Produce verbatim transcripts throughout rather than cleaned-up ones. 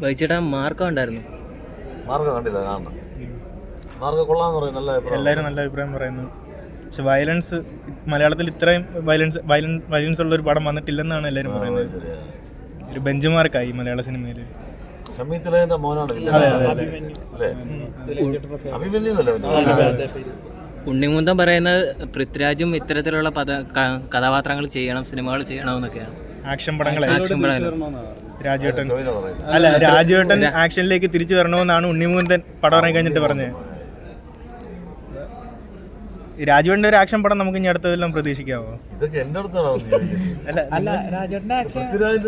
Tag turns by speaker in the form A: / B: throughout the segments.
A: വഹിച്ചിട്ട് മാർക്കം ഉണ്ടായിരുന്നു.
B: മാർക്കം കണ്ടില്ല, കാണണം. മാർക്കം കൊള്ളാന്ന് പറയും, നല്ല അഭിപ്രായം.
C: എല്ലാവരും നല്ല അഭിപ്രായം പറയുന്നു. പക്ഷെ വയലൻസ് മലയാളത്തിൽ ഇത്രയും വയലൻസ് വയലൻ വയലൻസ് ഉള്ള ഒരു പടം വന്നിട്ടില്ലെന്നാണ് എല്ലാവരും പറയുന്നത്. ഒരു ബെഞ്ച് മാർക്കായി മലയാള സിനിമയിൽ.
B: ഷമീത്തിലേന്റെ മോനാണ്
A: ഉണ്ണിമുന്തൻ പറയുന്നത് പൃഥ്വിരാജും ഇത്തരത്തിലുള്ള പദ കഥാപാത്രങ്ങൾ ചെയ്യണം, സിനിമകൾ ചെയ്യണമെന്നൊക്കെയാണ്.
C: ആക്ഷൻ പടങ്ങൾ
A: ആക്ഷൻ പടങ്ങൾ
C: രാജുവേട്ടൻ അല്ല രാജുവേട്ടൻ ആക്ഷനിലേക്ക് തിരിച്ചു വരണമെന്നാണ് ഉണ്ണിമുന്തൻ പടം ഇറങ്ങി കഴിഞ്ഞിട്ട് പറഞ്ഞത്. രാജുവേട്ടൻ്റെ ഒരു ആക്ഷൻ പടം നമുക്ക് ഇനി അടുത്തതെല്ലാം പ്രതീക്ഷിക്കാമോ?
B: ഇതൊക്കെ എന്റെ അടുത്താണോ?
D: അല്ല രാജേട്ടൻ്റെ ആക്ഷൻ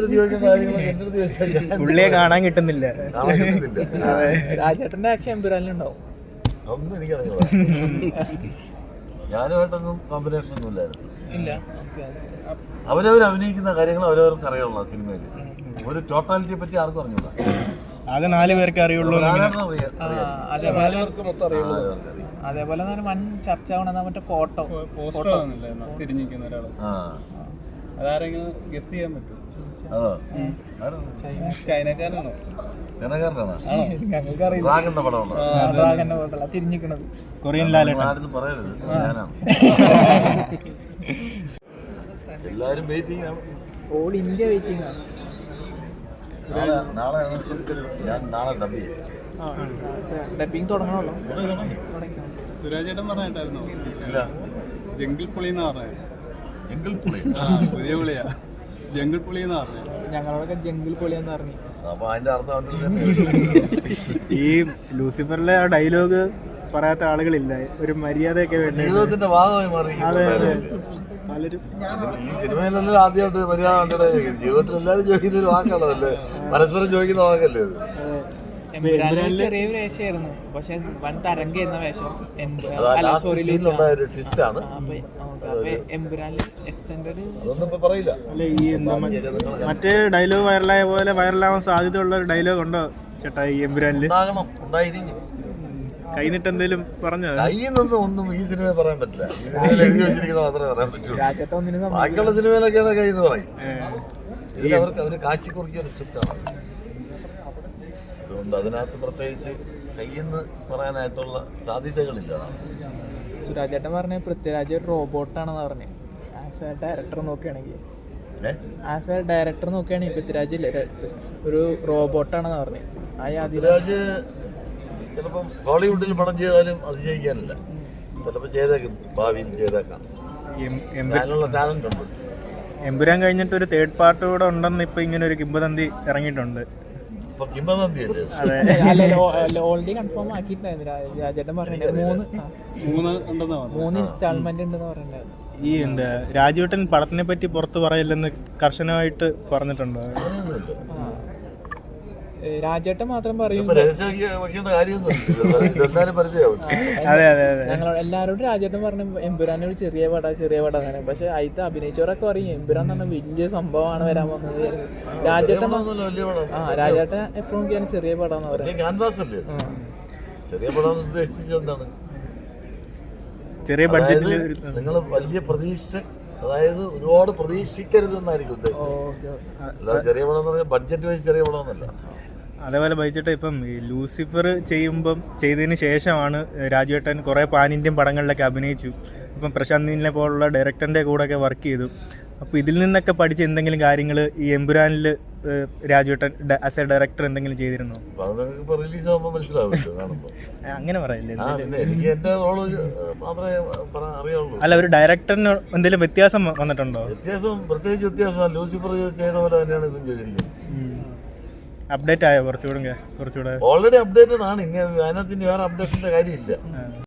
C: പുള്ളിയെ കാണാൻ കിട്ടുന്നില്ല.
D: രാജേട്ടൻ്റെ ആക്ഷൻ എമ്പുരാനിലുണ്ടാവും.
B: അതൊന്നും എനിക്കറിയില്ല. ഞാനുമായിട്ടൊന്നും കോമ്പിനേഷൻ ഒന്നും ഇല്ലായിരുന്നു.
D: ഇല്ല,
B: അവരവർ അഭിനയിക്കുന്ന കാര്യങ്ങൾ അവരവർക്ക് അറിയുള്ളൂ. സിനിമയിൽ ഒരു ടോട്ടാലിറ്റിയെ പറ്റി ആർക്കും അറിഞ്ഞൂടാ.
C: ആകെ നാല് പേർക്ക് അറിയുള്ളൂ.
D: അതേപോലെ അതേപോലെ തന്നെ വൻ ചർച്ച ആവണ മറ്റേ ഫോട്ടോ ഫോട്ടോ
E: തിരിഞ്ഞിരിക്കുന്ന ഒരാള് അതാരെങ്കിലും ഗസ് ചെയ്യാൻ പറ്റും.
B: അതോ
E: ചൈനക്കാരനാണോ?
B: ചൈനക്കാരനാണോ?
D: ഞങ്ങൾക്ക് അറിയില്ല.
B: ഡ്രാഗന്റെ പടമുണ്ടോ?
D: ഫോട്ടോ തിരിഞ്ഞിക്കണത്
C: കൊറിയൻ ലാലേട്ടൻ.
B: ആരും പറയരുത്, ഞാനാണ്. എല്ലാരും വെയിറ്റിംഗ് ആണ്.
D: ഓൾ ഇന്ത്യ വെയിറ്റിംഗ് ആണ്.
B: നാളെ നാളെ ഞാൻ നാളെ ഡബ് ചെയ്യും.
D: ഡബിങ് തുടങ്ങണമല്ലോ.
E: സുരാജേട്ടൻ പറഞ്ഞിട്ടായിരുന്നോ?
B: ഇല്ല,
E: ജംഗിൾ പുളി എന്ന് പറഞ്ഞത്.
B: ജംഗിൾ പുളി
E: പുതിയ പുളിയാ, ജംഗിൾ പുളി എന്ന് പറഞ്ഞത്.
D: ഞങ്ങളോടൊക്കെ ജംഗിൾ പൊളിയെന്ന് പറഞ്ഞു.
B: അപ്പൊ അതിന്റെ അർത്ഥം
C: ഈ ലൂസിഫറിലെ ആ ഡയലോഗ് പറയാത്ത ആളുകളില്ല. ഒരു മര്യാദയൊക്കെ വേണ്ടി
B: ജീവിതത്തിന്റെ ഭാഗമായി മാറി.
C: പലരും
B: ഈ സിനിമയിലെല്ലാം ആദ്യമായിട്ട് മര്യാദ കണ്ടത്. ജീവിതത്തിൽ എല്ലാവരും ചോദിക്കുന്ന ഒരു വാക്കാണതല്ലേ, പരസ്പരം ചോദിക്കുന്ന വാക്കല്ലേ അത്.
D: ചെറിയ വേഷമായിരുന്നു, പക്ഷെ വൻ തരംഗിരുന്ന വേഷം.
B: ഒരു ട്വിസ്റ്റാണ്. അതൊന്നും ഇപ്പൊ പറയില്ല.
C: അല്ല ഈ എന്താ മറ്റേ ഡയലോഗ് വൈറലായ പോലെ വൈറലാവാൻ സാധ്യതയുള്ള ഒരു ഡയലോഗ് ഉണ്ടോ ചേട്ടാ ഈ എമ്പുരാനില്?
B: ഉണ്ടായിരിക്കും.
C: കൈന്നിട്ട് എന്തേലും പറഞ്ഞോ?
B: കയ്യിൽ നിന്നും ഒന്നും ഈ സിനിമയിൽ പറയാൻ പറ്റില്ല. ഈ സിനിമയിൽ എഴുതി വെച്ചിരിക്കുന്ന മാത്രമേ പറയാൻ പറ്റുള്ളൂ. ബാക്കിയുള്ള സിനിമയിലൊക്കെയാണ് കൈ എന്ന് പറയും. ഇതിൽ അവർക്ക് അവര് കാച്ചി കുറിക്കിയ ഒരു സ്ക്രിപ്റ്റാണ്. അതുകൊണ്ട് അതിനകത്ത് പ്രത്യേകിച്ച് കയ്യെന്ന് പറയാനായിട്ടുള്ള സാധ്യതകളില്ല.
D: സുരാജേട്ടൻ പറഞ്ഞ പൃഥ്വിരാജ് ഒരു റോബോട്ടാണെന്ന് പറഞ്ഞത്. ആസ് എ ഡയറക്ടർ നോക്കുകയാണെങ്കിൽ ആസ് എ ഡയറക്ടർ നോക്കുകയാണെങ്കിൽ പൃഥ്വിരാജ് ഒരു റോബോട്ടാണെന്ന് പറഞ്ഞത്. ആ
B: പൃഥ്വിരാജ് ചിലപ്പം ഹോളിവുഡിൽ പടം ചെയ്താലും അതിശയിക്കാനില്ല. ചിലപ്പോൾ ചെയ്തേക്കും, ഭാവിയിൽ ചെയ്തേക്കാം. അതിനുള്ള ടാലന്റ് ഉണ്ട്.
C: എമ്പുരാൻ കഴിഞ്ഞിട്ട് ഒരു തേർഡ് പാർട്ട് കൂടെ ഉണ്ടെന്ന് ഇപ്പൊ ഇങ്ങനെ ഒരു കിംബദന്തി ഇറങ്ങിയിട്ടുണ്ട്.
D: ഓൾറെഡി കൺഫേം ആക്കിയിട്ടുണ്ടായിരുന്നു. രാജേട്ടൻ പറഞ്ഞിട്ട് മൂന്ന് മൂന്ന് ഇൻസ്റ്റാൾമെന്റ് ഉണ്ടെന്ന് പറഞ്ഞിട്ടുണ്ടായിരുന്നു.
C: ഈ എന്താ രാജുവേട്ടൻ പടത്തിനെ പറ്റി പുറത്ത് പറയില്ലെന്ന് കർശനമായിട്ട് പറഞ്ഞിട്ടുണ്ടോ?
D: രാജേട്ടൻ മാത്രം പറയും. ഞങ്ങൾ എല്ലാവരോടും രാജേട്ടൻ പറഞ്ഞു എമ്പുരാൻ ഒരു ചെറിയ പട ചെറിയ പട തന്നെ. പക്ഷെ അതിൽ അഭിനയിച്ചവരൊക്കെ പറയും എമ്പുരാൻ എന്ന് പറഞ്ഞാൽ വലിയ സംഭവമാണ് വരാൻ പോകുന്നത്. രാജേട്ടൻ ആ രാജേട്ടൻ എപ്പോഴും നോക്കിയാണ് ചെറിയ പടം എന്ന് പറയുന്നത്.
C: ചെറിയ ബഡ്ജറ്റിൽ
B: നിങ്ങൾ വലിയ പ്രതീക്ഷ, അതായത് ഒരുപാട് പ്രതീക്ഷിക്കരുതെന്നായിരിക്കും ഉദ്ദേശിച്ചത്. ചെറിയ പടം എന്ന് പറഞ്ഞാൽ ബഡ്ജറ്റ് വൈസ് ചെറിയ പടമൊന്നുമല്ല.
C: അതേപോലെ ബൈച്ചേട്ടാ ഇപ്പം ഈ ലൂസിഫർ ചെയ്യുമ്പം ചെയ്തതിന് ശേഷമാണ് രാജുവേട്ടൻ കുറേ പാൻ ഇന്ത്യൻ പടങ്ങളിലൊക്കെ അഭിനയിച്ചു. ഇപ്പം പ്രശാന്ത് നീലിനെ പോലുള്ള ഡയറക്ടറിൻ്റെ കൂടെയൊക്കെ വർക്ക് ചെയ്തു. അപ്പോൾ ഇതിൽ നിന്നൊക്കെ പഠിച്ച എന്തെങ്കിലും കാര്യങ്ങൾ ഈ എമ്പുരാനിൽ രാജുവേട്ടൻ ആസ് എ ഡയറക്ടർ എന്തെങ്കിലും ചെയ്തിരുന്നോ? അങ്ങനെ പറയില്ലേ? അല്ല, ഒരു ഡയറക്ടറിന് എന്തെങ്കിലും വ്യത്യാസം വന്നിട്ടുണ്ടോ?
B: വ്യത്യാസം പ്രത്യേകിച്ച് വ്യത്യാസം ലൂസിഫർ ചെയ്ത പോലെ തന്നെയാണ് ഇതും ചെയ്തിരിക്കുന്നത്.
C: അപ്ഡേറ്റ് ആയോ കുറച്ചുകൂടെ? കുറച്ചുകൂടെ
B: ഓൾറെഡി അപ്ഡേറ്റഡ് ആണ്. ഇനി അതിനകത്ത് ഇനി വേറെ അപ്ഡേഷന്റെ കാര്യമില്ല.